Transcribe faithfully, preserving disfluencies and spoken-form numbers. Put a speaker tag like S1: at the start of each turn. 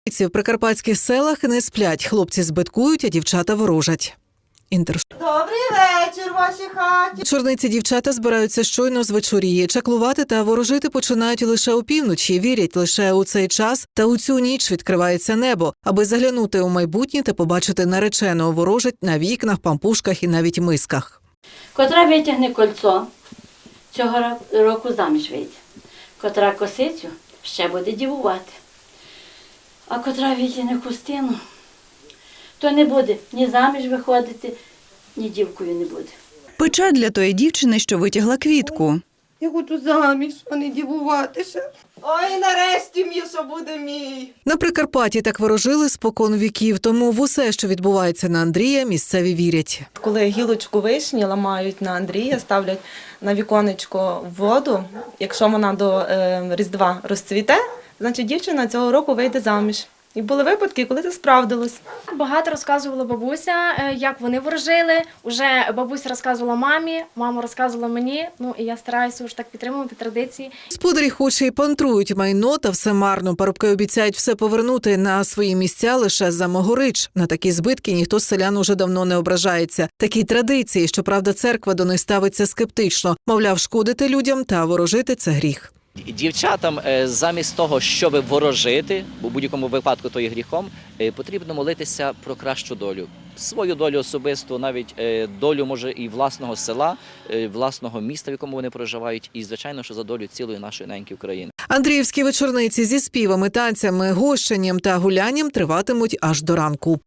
S1: В прикарпатських селах не сплять. Хлопці збиткують, а дівчата ворожать. Інтер.
S2: Добрий вечір, вашій хаті.
S1: Чорниці дівчата збираються щойно звечоріє. Чаклувати та ворожити починають лише опівночі. Вірять, лише у цей час та у цю ніч відкривається небо. Аби заглянути у майбутнє та побачити нареченого, ворожать на вікнах, пампушках і навіть мисках.
S3: Котра витягне кольцо, цього року заміж вийде. Котра косицю, ще буде дівувати. А котра витягне хустину, то не буде ні заміж виходити, ні дівкою не буде.
S4: Пече для тої дівчини, що витягла квітку.
S2: Я хочу заміж, а не дівуватися. Ой, нарешті м'ясо буде мій.
S1: На Прикарпатті так ворожили спокон віків, тому в усе, що відбувається на Андрія, місцеві вірять.
S5: Коли гілочку вишні ламають на Андрія, ставлять на віконечко воду, якщо вона до е, Різдва розцвіте, значить дівчина цього року вийде заміж. І були випадки, коли це справдилось.
S6: Багато розказувала бабуся, як вони ворожили. Уже бабуся розказувала мамі, мама розказувала мені. Ну і я стараюся вже так підтримувати традиції.
S1: Господарі хоч і пантрують майно, та все марно. Парубки обіцяють все повернути на свої місця лише за могорич. На такі збитки ніхто з селян уже давно не ображається. Такі традиції, щоправда, церква до них ставиться скептично. Мовляв, шкодити людям та ворожити – це гріх.
S7: Дівчатам замість того, щоб ворожити, бо в будь-якому випадку то є гріхом, потрібно молитися про кращу долю. Свою долю особисту, навіть долю, може, і власного села, власного міста, в якому вони проживають, і, звичайно, що за долю цілої нашої неньки України.
S1: Андріївські вечорниці зі співами, танцями, гощенням та гулянням триватимуть аж до ранку.